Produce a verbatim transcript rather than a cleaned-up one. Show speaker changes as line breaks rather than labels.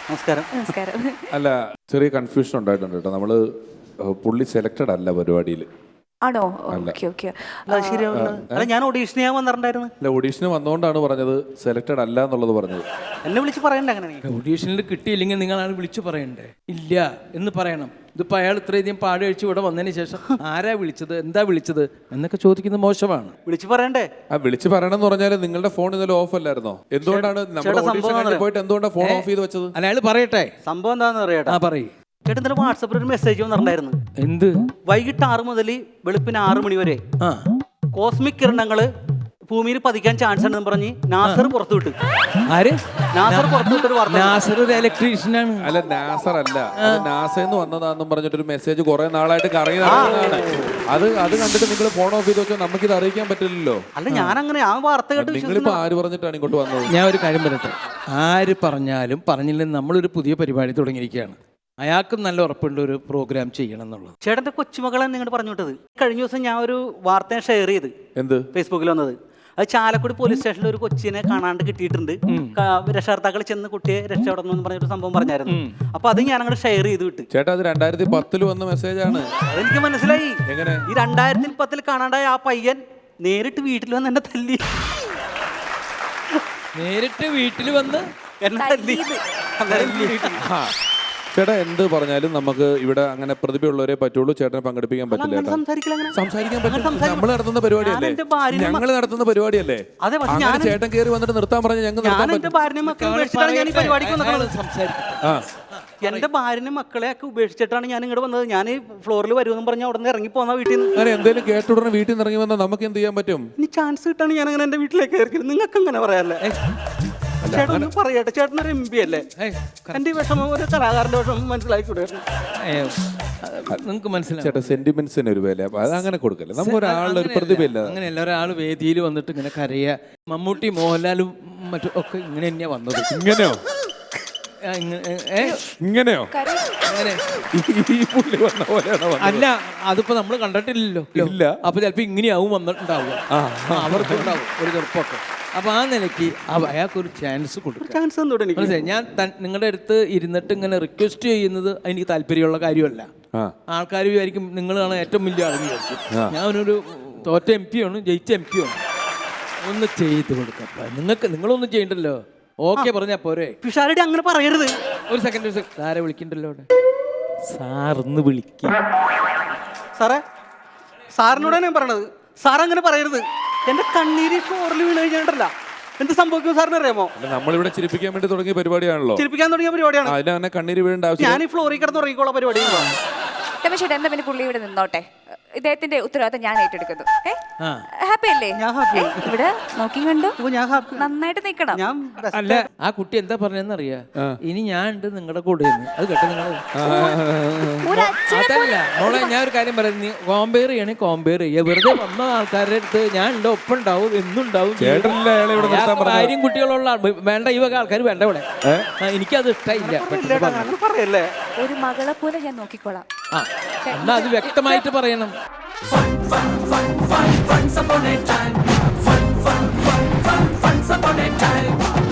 നമസ്കാരം.
നമസ്കാരം.
അല്ല, ചെറിയ കൺഫ്യൂഷൻ ഉണ്ടായിട്ടുണ്ട് കേട്ടോ. നമ്മള് പുള്ളി സെലക്ടഡ് അല്ല പരിപാടിയിൽ.
ആണോ? Okay okay.
അല്ല, ഞാൻ ഓഡീഷന് ഞാൻ വന്നിട്ടുണ്ടായിരുന്നു.
അല്ല, ഓഡീഷന് വന്നുകൊണ്ടാണ് പറഞ്ഞത് സെലക്ടഡ് അല്ല എന്നുള്ളത് പറഞ്ഞത്.
എന്നെ വിളിച്ച് പറയണ്ട അങ്ങനെ.
ഓഡീഷനിൽ കിട്ടിയില്ലെങ്കിൽ നിങ്ങളാണ് വിളിച്ചു പറയണ്ടേ. ഇല്ല എന്ന് പറയണം. ഇതിപ്പോൾ അയാൾ ഇത്രയധികം പാട് കഴിച്ച് ഇവിടെ വന്നതിന് ശേഷം ആരാ വിളിച്ചത്, എന്താ വിളിച്ചത് എന്നൊക്കെ ചോദിക്കുന്നത് മോശമാണ്.
വിളിച്ച് പറയണ്ടേ?
ആ വിളിച്ച് പറയണം എന്ന് പറഞ്ഞാൽ നിങ്ങളുടെ ഫോൺ ഇന്നലെ ഓഫ് അല്ലായിരുന്നോ? എന്തുകൊണ്ടാണ് നമ്മുടെ ഓഡീഷൻ കഴിഞ്ഞ് പോയിട്ട് എന്തുകൊണ്ടാണ് ഫോൺ ഓഫ് ചെയ്ത് വെച്ചത്?
അല്ല, അയാൾ പറയട്ടെ
സംഭവം എന്താണെന്ന് അറിയാട്ടെ.
ആ പറയ്.
ചേട്ടൻ ഇന്നലെ വാട്സാപ്പിൽ ഒരു മെസ്സേജ് വന്നിട്ടുണ്ടായിരുന്നു.
എന്ത്?
വൈകിട്ട് ആറ് മുതൽ വെളുപ്പിന് ആറ് മണി വരെ
ആ
കോസ്മിക് കിരണങ്ങള് ഭൂമിയിൽ പതിക്കാൻ ചാൻസ് ഉണ്ടെന്ന് പറഞ്ഞ് നാസർ പുറത്തു വിട്ടു.
ആര്?
നാസർ പുറത്തു വിട്ടൊരു വാർത്ത.
നാസർ ഒരു ഇലക്ട്രീഷ്യനാണ്.
അല്ല, നാസർ അല്ല, അത് നാസന്ന് വന്നതാണെന്നും പറഞ്ഞിട്ടൊരു മെസ്സേജ് കുറെ നാളായിട്ട് കറങ്ങി നടക്കുന്നതാണ്. അത് അത് കണ്ടിട്ട് നിങ്ങൾ ഫോൺ ഓഫ് ചെയ്ത് വെച്ചാൽ നമുക്കിത് അറിയിക്കാൻ പറ്റില്ലല്ലോ.
അല്ല, ഞാൻ അങ്ങനെ ആ വാർത്ത കേട്ട്
നിങ്ങളിപ്പോ ആര് പറഞ്ഞിട്ടാണ് ഇങ്ങോട്ട് വന്നത്?
ഞാൻ ഒരു കാര്യം പറയട്ടെ. ആര് പറഞ്ഞാലും പറഞ്ഞില്ലെങ്കിൽ നമ്മളൊരു പുതിയ പരിപാടി തുടങ്ങിയിരിക്കുകയാണ്. അയാൾക്കും നല്ല ഉറപ്പുണ്ട് ഒരു പ്രോഗ്രാം ചെയ്യണം എന്നുള്ളത്.
ചേട്ടന്റെ കൊച്ചുമകളെ നിങ്ങോട്ട് പറഞ്ഞു വിട്ടത്. കഴിഞ്ഞ ദിവസം ഞാൻ ഒരു വാർത്ത ഷെയർ ചെയ്ത്
എന്ത്
ഫേസ്ബുക്കിൽ വന്നത്. അത് ചാലക്കുടി പോലീസ് സ്റ്റേഷനിൽ ഒരു കൊച്ചിനെ കാണാണ്ട് കിട്ടിയിട്ടുണ്ട്. രക്ഷകർത്താക്കൾ ചെന്ന് കുട്ടിയെ രക്ഷപ്പെടണം എന്ന് പറഞ്ഞൊരു സംഭവം പറഞ്ഞായിരുന്നു. അപ്പൊ അത് ഞാൻ അങ്ങോട്ട് ഷെയർ ചെയ്ത് വിട്ടു.
ചേട്ടാ, അത് രണ്ടായിരത്തി പത്തില് വന്ന മെസ്സേജാണ്.
അതെനിക്ക് മനസ്സിലായി.
എങ്ങനെ?
ഈ രണ്ടായിരത്തി പത്തിൽ കാണാണ്ടായ ആ പയ്യൻ നേരിട്ട് വീട്ടിൽ വന്ന് എന്നെ തല്ലി.
നേരിട്ട് വീട്ടിൽ വന്ന്
എന്നെ തല്ലി.
ചേട്ടാ, എന്ത് പറഞ്ഞാലും നമുക്ക് ഇവിടെ അങ്ങനെ പ്രതിഭയുള്ളവരെ പറ്റുള്ളൂ. ചേട്ടനെ പങ്കെടുപ്പിക്കാൻ പറ്റില്ല.
അങ്ങനെ സംസാരിക്കില്ല, അങ്ങനെ.
സംസാരിക്കാൻ പറ്റില്ല. നമ്മൾ നടത്തുന്ന പരിപാടിയല്ലേ, ഞങ്ങൾ നടത്തുന്ന പരിപാടിയല്ലേ.
അതെ, പക്ഷെ
അങ്ങനെ
ഞാൻ
ചേട്ടൻ കയറി വന്നിട്ട് നിർത്താൻ പറഞ്ഞ ഞങ്ങൾ
ഞാൻ എന്റെ ഭാര്യനെ മക്കളെ ഉപേക്ഷിച്ചിട്ടാണ് ഞാൻ ഈ പരിപാടിക്ക് വന്നത്.
സംസാരിക്കും.
എന്റെ ഭാര്യനെ മക്കളെ ഒക്കെ ഉപേക്ഷിച്ചിട്ടാണ് ഞാൻ ഇങ്ങോട്ട് വന്നത്. ഞാൻ ഈ ഫ്ലോറിൽ വരുമെന്ന് പറഞ്ഞ അവിടെ നിന്ന് ഇറങ്ങി പോന്ന വീട്ടിൽ നിന്ന്.
അങ്ങനെ എന്തെങ്കിലും കേട്ടുടനെ വീട്ടിൽ നിന്ന് ഇറങ്ങി വന്നാൽ നമുക്ക് എന്ത് ചെയ്യാൻ പറ്റും?
ഇനി ചാൻസ് കിട്ടാണ് ഞാൻ അങ്ങനെ എന്റെ വീട്ടിലേക്ക് കയറി. നിങ്ങൾക്ക് അങ്ങനെ പറയാല്ലേ? ചേട്ടൻ ഒന്ന് പറയട്ടെ. ചേട്ടനൊരു എം പി അല്ലേ? എന്റെ വിഷമം ഒരു കലാകാരന്റെ വിഷമം മനസ്സിലാക്കിക്കൂടെ?
നിങ്ങൾക്ക് മനസ്സിലായി.
ചേട്ടാ, സെന്റിമെന്റ്സിന് ഒരു വില, അത് അങ്ങനെ കൊടുക്കല്ലേ. നമുക്ക് ഒരാളുടെ ഒരു പ്രതിഭയില്ല.
അങ്ങനെയല്ല, ഒരാൾ വേദിയിൽ വന്നിട്ട് ഇങ്ങനെ കരയ. മമ്മൂട്ടി മോഹൻലാലും മറ്റും ഒക്കെ ഇങ്ങനെ തന്നെയാ വന്നത്.
ഇങ്ങനെയോ? ഇങ്ങനെയോ?
അങ്ങനെ
ഈ പുള്ളി വന്ന പോലെയാണോ?
അല്ല, അതിപ്പോ നമ്മൾ കണ്ടിട്ടില്ലല്ലോ. ഇല്ല. അപ്പൊ ചിലപ്പോ ഇങ്ങനെയാവും വന്നിട്ടുണ്ടാവുക. അവർക്കുണ്ടാവും ഒരു ചെറുപ്പമൊക്കെ. അപ്പൊ ആ നിലയ്ക്ക് അയാൾക്കൊരു ചാൻസ് കൊടുക്കും.
ചാൻസ്
മനസ്സിലായി? ഞാൻ നിങ്ങളുടെ അടുത്ത് ഇരുന്നിട്ട് ഇങ്ങനെ റിക്വസ്റ്റ് ചെയ്യുന്നത് എനിക്ക് താല്പര്യമുള്ള കാര്യമല്ല. ആൾക്കാർ വിചാരിക്കും നിങ്ങളാണ് ഏറ്റവും വലിയ ആൾ വിചാരിക്കും. ഞാനൊരു തോറ്റ എം പി ആണ്, ജയിച്ച എം പി ആണ്. ഒന്ന് ചെയ്ത് കൊടുക്കാം. നിങ്ങൾക്ക് നിങ്ങളൊന്നും ചെയ്യണ്ടല്ലോ. ഓക്കെ പറഞ്ഞാ പോരെ.
പിഷാരടി അങ്ങനെ പറയരുത്.
ഒരു സെക്കൻഡ്, ഒരു സെക്കൻഡ്. ആരെ വിളിക്കണ്ടല്ലോ അവിടെ? സാറിന്ന് വിളിക്കും.
സാറേ, സാറിനോടാണ് ഞാൻ പറയണത്. സാർ അങ്ങനെ പറയരുത്. എന്റെ കണ്ണീര് ഫ്ലോറിൽ വീണ് കഴിഞ്ഞിട്ടല്ല എന്ത് സംഭവിക്കും സാറിന് അറിയാമോ?
നമ്മളിവിടെ ചിരിപ്പിക്കാൻ വേണ്ടി തുടങ്ങിയ പരിപാടിയാണല്ലോ.
ചിരിപ്പിക്കാൻ തുടങ്ങിയ പരിപാടിയാണ്.
അതിന് തന്നെ കണ്ണീര് വീഴേണ്ട ആവശ്യം.
ഞാൻ ഈ ഫ്ലോറിൽ കിടന്ന് ഉറങ്ങിക്കോളാം പരിപാടി.
രമേശേട്ടാ, എന്താ പിന്നെ പുള്ളി ഇവിടെ നിന്നോട്ടെ. ഇദ്ദേഹത്തിന്റെ ഉത്തരവാദിത്തം ഞാൻ ഏറ്റെടുക്കുന്നു. ഹാപ്പി അല്ലേ? ഇവിടെ നോക്കി കണ്ടു നന്നായിട്ട് നിക്കണം.
അല്ല, ആ കുട്ടി എന്താ പറഞ്ഞെന്ന് അറിയാ? ഇനി ഞാൻ ഉണ്ട് നിങ്ങളുടെ കൂടെ. അത് കേട്ടോ നിങ്ങൾ? അതല്ല മോളെ, ഞാൻ ഒരു കാര്യം പറയുന്നത്. കോമ്പയർ ചെയ്യണേ കോമ്പയർ ചെയ്യുക. വെറുതെ വന്ന ആൾക്കാരുടെ അടുത്ത് ഞാൻ ഉണ്ട് ഒപ്പം ഉണ്ടാവും എന്നുണ്ടാവും. കാര്യം കുട്ടികളുള്ള വേണ്ട, ഈ വക ആൾക്കാർ വേണ്ട ഇവിടെ. എനിക്കത് ഇഷ്ടമില്ല.
ഒരു മകളെ പോലെ ഞാൻ നോക്കിക്കോളാം.
ആ, എന്നാ അത് വ്യക്തമായിട്ട് പറയണം.
Fun, fun, fun, fun, once upon a time. Fun, fun, fun, fun, once upon a time.